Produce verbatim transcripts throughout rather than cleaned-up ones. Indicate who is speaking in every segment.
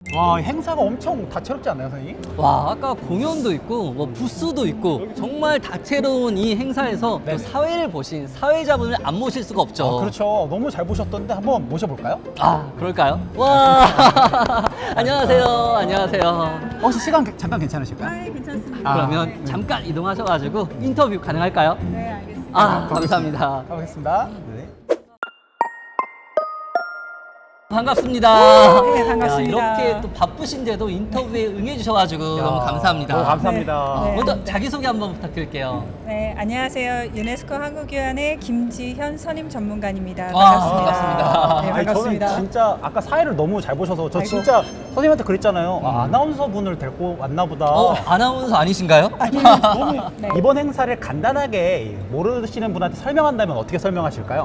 Speaker 1: 와, 행사가 엄청 다채롭지 않나요, 선생님?
Speaker 2: 와, 아까 공연도 있고 뭐 부스도 있고 정말 다채로운 이 행사에서
Speaker 1: 네네.
Speaker 2: 또 사회를 보신 사회자분을 안 모실 수가 없죠.
Speaker 1: 아, 그렇죠. 너무 잘 보셨던데 한번 모셔볼까요?
Speaker 2: 아, 그럴까요? 와, 안녕하세요. 안녕하세요.
Speaker 1: 혹시 시간 게- 잠깐 괜찮으실까요?
Speaker 3: 네, 괜찮습니다.
Speaker 1: 아,
Speaker 2: 그러면
Speaker 1: 네.
Speaker 2: 잠깐 이동하셔가지고 인터뷰 가능할까요?
Speaker 3: 네, 알겠습니다.
Speaker 2: 아, 감사합니다.
Speaker 1: 가보겠습니다. 네.
Speaker 2: 반갑습니다.
Speaker 3: 네, 반갑습니다.
Speaker 2: 야, 이렇게 또 바쁘신데도 인터뷰에 응해주셔가지고 너무 감사합니다.
Speaker 1: 너무 감사합니다.
Speaker 3: 네.
Speaker 2: 먼저 자기소개 한번 부탁드릴게요.
Speaker 3: 네, 안녕하세요. 유네스코 한국유한의 김지현 선임 전문가입니다.
Speaker 2: 와,
Speaker 3: 반갑습니다.
Speaker 2: 반갑습니다.
Speaker 3: 네,
Speaker 1: 아니,
Speaker 3: 반갑습니다.
Speaker 1: 저는 진짜 아까 사회를 너무 잘 보셔서 저
Speaker 3: 아이고.
Speaker 1: 진짜 선생님한테 그랬잖아요. 아, 아나운서 분을 데리고 왔나 보다.
Speaker 2: 어, 아나운서 아니신가요?
Speaker 1: 너무
Speaker 3: 네.
Speaker 1: 이번 행사를 간단하게 모르시는 분한테 설명한다면 어떻게 설명하실까요?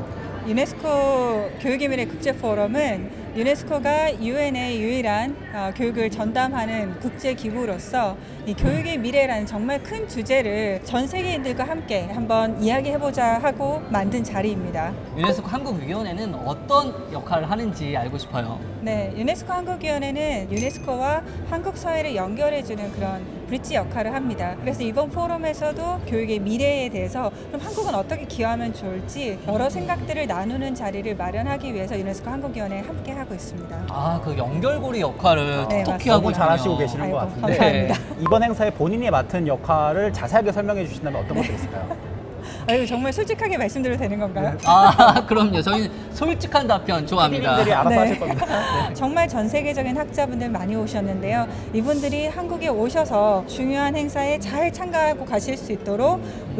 Speaker 3: 유네스코 교육의 미래 국제 포럼은 유네스코가 유엔의 유일한 어, 교육을 전담하는 국제 기구로서 이 교육의 미래라는 정말 큰 주제를 전 세계인들과 함께 한번 이야기해보자 하고 만든 자리입니다.
Speaker 2: 유네스코 한국위원회는 어떤 역할을 하는지 알고 싶어요.
Speaker 3: 네, 유네스코 한국위원회는 유네스코와 한국 사회를 연결해주는 그런 브릿지 역할을 합니다. 그래서 이번 포럼에서도 교육의 미래에 대해서 그럼 한국은 어떻게 기여하면 좋을지 여러 생각들을 나누는 자리를 마련하기 위해서 유네스코 한국위원회에 함께 하고 있습니다.
Speaker 2: 아, 그 연결고리 역할을
Speaker 3: 네,
Speaker 2: 톡톡히
Speaker 3: 맞습니다.
Speaker 2: 하고
Speaker 1: 너무
Speaker 2: 있군요.
Speaker 1: 잘하시고 계시는 것
Speaker 3: 아이고,
Speaker 1: 같은데
Speaker 3: 감사합니다.
Speaker 1: 이번 행사에 본인이 맡은 역할을 자세하게 설명해 주신다면 어떤 것들이 있을까요?
Speaker 3: 아이고, 정말 솔직하게 말씀드려도 되는 건가요?
Speaker 2: 아, 그럼요. 저희는 솔직한 답변 좋아합니다.
Speaker 1: 피디님들이 알아서
Speaker 3: 네.
Speaker 1: 하실 겁니다. 네.
Speaker 3: 정말 전 세계적인 학자분들 많이 오셨는데요. 이분들이 한국에 오셔서 중요한 행사에 잘 참가하고 가실 수 있도록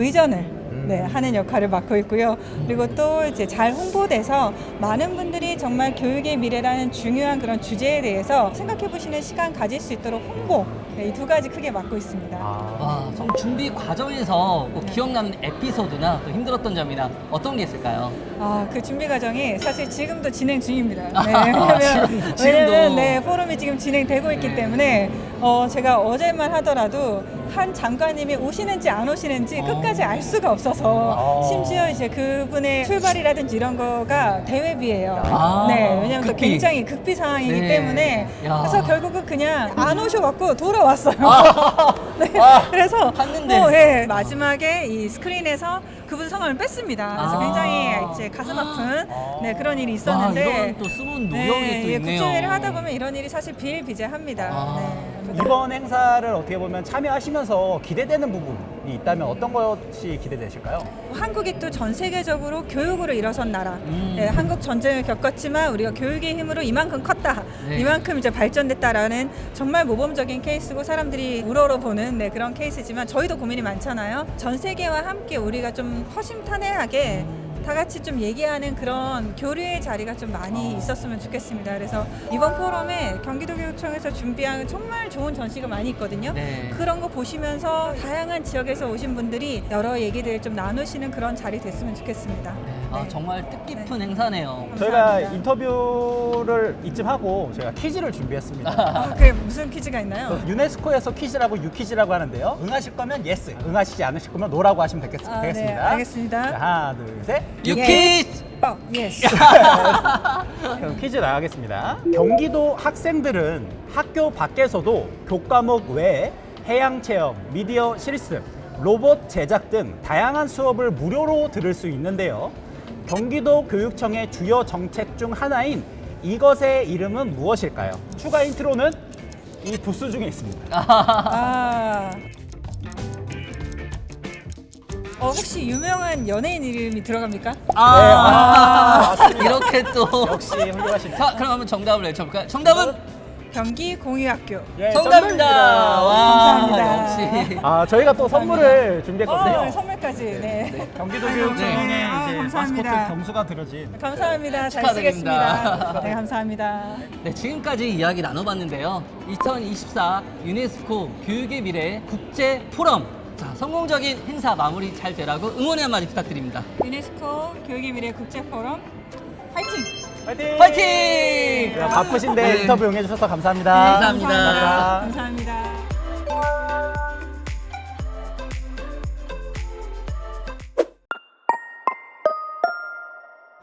Speaker 3: 의전을 네, 하는 역할을 맡고 있고요. 그리고 또 이제 잘 홍보돼서 많은 분들이 정말 교육의 미래라는 중요한 그런 주제에 대해서 생각해 보시는 시간 가질 수 있도록 홍보 네, 이 두 가지 크게 맡고 있습니다.
Speaker 1: 아,
Speaker 2: 와, 좀 준비 과정에서 꼭 기억나는 에피소드나 또 힘들었던 점이나 어떤 게 있을까요?
Speaker 3: 아, 그 준비 과정이 사실 지금도 진행 중입니다. 네,
Speaker 2: 아,
Speaker 3: 왜냐면,
Speaker 2: 지금- 지금도.
Speaker 3: 왜냐면 네, 포럼이 지금 진행되고 있기 때문에 어, 제가 어제만 하더라도 한 장관님이 오시는지 안 오시는지
Speaker 2: 어.
Speaker 3: 끝까지 알 수가 없어서
Speaker 1: 아.
Speaker 3: 심지어 이제 그분의 출발이라든지 이런 거가 대회비예요.
Speaker 2: 아,
Speaker 3: 네, 왜냐면 또
Speaker 2: 급비.
Speaker 3: 굉장히 급비 상황이기
Speaker 2: 네.
Speaker 3: 때문에
Speaker 2: 야.
Speaker 3: 그래서 결국은 그냥 안 오셔갖고 돌아왔어요. 네,
Speaker 2: 아,
Speaker 3: 그래서
Speaker 2: 갔는데.
Speaker 3: 뭐, 예, 마지막에 이 스크린에서 그분 성함을 뺐습니다. 그래서
Speaker 2: 아.
Speaker 3: 굉장히 이제 가슴 아픈
Speaker 1: 아.
Speaker 3: 네, 그런 일이
Speaker 2: 와,
Speaker 3: 있었는데
Speaker 2: 이런 또 숨은 노력이 또
Speaker 3: 예,
Speaker 2: 있네요.
Speaker 3: 국제회의를 하다 보면 이런 일이 사실 비일비재합니다.
Speaker 2: 아.
Speaker 3: 네.
Speaker 1: 이번 행사를 어떻게 보면 참여하시면서 기대되는 부분이 있다면 어떤 것이 기대되실까요?
Speaker 3: 한국이 또 전 세계적으로 교육으로 일어선 나라.
Speaker 2: 음.
Speaker 3: 네, 한국 전쟁을 겪었지만 우리가 교육의 힘으로 이만큼 컸다.
Speaker 2: 네.
Speaker 3: 이만큼 이제 발전됐다라는 정말 모범적인 케이스고 사람들이 우러러 보는 네, 그런 케이스지만 저희도 고민이 많잖아요. 전 세계와 함께 우리가 좀 허심탄회하게 다 같이 좀 얘기하는 그런 교류의 자리가 좀 많이 있었으면 좋겠습니다. 그래서 이번 포럼에 경기도교육청에서 준비한 정말 좋은 전시가 많이 있거든요.
Speaker 2: 네.
Speaker 3: 그런 거 보시면서 다양한 지역에서 오신 분들이 여러 얘기들을 좀 나누시는 그런 자리 됐으면 좋겠습니다.
Speaker 2: 아,
Speaker 3: 네.
Speaker 2: 정말 뜻깊은 행사네요.
Speaker 1: 저희가
Speaker 3: 감사합니다.
Speaker 1: 인터뷰를 이쯤 하고 저희가 퀴즈를 준비했습니다.
Speaker 3: 어, 그게 무슨 퀴즈가 있나요?
Speaker 1: 유네스코에서 퀴즈라고 유퀴즈라고 하는데요. 응하실 거면 예스, 응하시지 않으실 거면 노라고 하시면 되겠,
Speaker 3: 아, 네,
Speaker 1: 되겠습니다.
Speaker 3: 알겠습니다.
Speaker 1: 자, 하나, 둘, 셋.
Speaker 2: 유키즈!
Speaker 3: 어, 예스.
Speaker 1: 그럼 퀴즈 나가겠습니다. 경기도 학생들은 학교 밖에서도 교과목 외에 해양 체험, 미디어 실습, 로봇 제작 등 다양한 수업을 무료로 들을 수 있는데요. 경기도 교육청의 주요 정책 중 하나인 이것의 이름은 무엇일까요? 추가 인트로는 이 부스 중에 있습니다.
Speaker 3: 아. 어, 혹시 유명한 연예인 이름이 들어갑니까?
Speaker 2: 아,
Speaker 1: 네, 아,
Speaker 2: 이렇게 또.
Speaker 1: 역시 훌륭하십니다.
Speaker 2: 자, 그럼 한번 정답을 외쳐볼까요? 정답은?
Speaker 3: 경기 공유학교.
Speaker 1: 예,
Speaker 2: 정답입니다. 와,
Speaker 3: 감사합니다.
Speaker 2: 역시.
Speaker 1: 아, 저희가 또 선물을 준비했거든요.
Speaker 3: 어, 선물까지. 네.
Speaker 1: 경기도
Speaker 3: 아이고,
Speaker 1: 교육청에
Speaker 3: 네. 아,
Speaker 1: 이제
Speaker 3: 감사합니다.
Speaker 1: 마스코트 경수가 들어진
Speaker 3: 감사합니다. 잘
Speaker 2: 축하드립니다.
Speaker 3: 쓰겠습니다. 네, 감사합니다.
Speaker 2: 네, 지금까지 이야기 나눠봤는데요. 이천이십사 유네스코 교육의 미래 국제 포럼. 자, 성공적인 행사 마무리 잘 되라고 응원의 한마디 부탁드립니다.
Speaker 3: 유네스코 교육의 미래 국제 포럼 화이팅!
Speaker 1: 파이팅!
Speaker 2: 파이팅!
Speaker 1: 자, 바쁘신데
Speaker 2: 네.
Speaker 1: 인터뷰 응해주셔서 감사합니다.
Speaker 2: 감사합니다.
Speaker 3: 감사합니다. 감사합니다.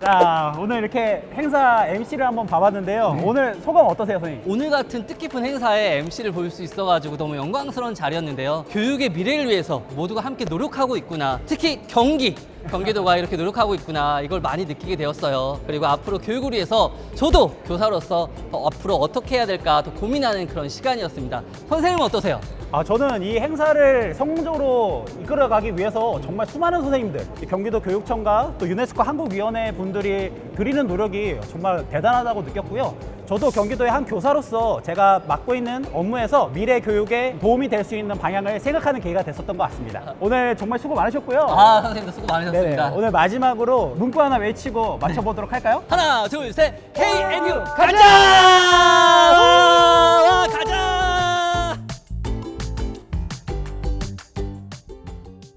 Speaker 1: 자, 오늘 이렇게 행사 엠씨를 한번 봐봤는데요. 오늘 소감 어떠세요, 선생님?
Speaker 2: 오늘 같은 뜻깊은 행사에 엠씨를 볼 수 있어가지고 너무 영광스러운 자리였는데요. 교육의 미래를 위해서 모두가 함께 노력하고 있구나. 특히 경기, 경기도가 이렇게 노력하고 있구나. 이걸 많이 느끼게 되었어요. 그리고 앞으로 교육을 위해서 저도 교사로서 더 앞으로 어떻게 해야 될까 더 고민하는 그런 시간이었습니다. 선생님은 어떠세요?
Speaker 1: 아, 저는 이 행사를 성공적으로 이끌어가기 위해서 정말 수많은 선생님들, 이 경기도 교육청과 또 유네스코 한국위원회 분들이 드리는 노력이 정말 대단하다고 느꼈고요. 저도 경기도의 한 교사로서 제가 맡고 있는 업무에서 미래 교육에 도움이 될 수 있는 방향을 생각하는 계기가 됐었던 것 같습니다. 오늘 정말 수고 많으셨고요.
Speaker 2: 아, 선생님도 수고
Speaker 1: 네네.
Speaker 2: 많으셨습니다.
Speaker 1: 오늘 마지막으로 문구 하나 외치고 맞춰보도록 할까요?
Speaker 2: 하나, 둘, 셋. 케이엔유 가자! 와, 가자!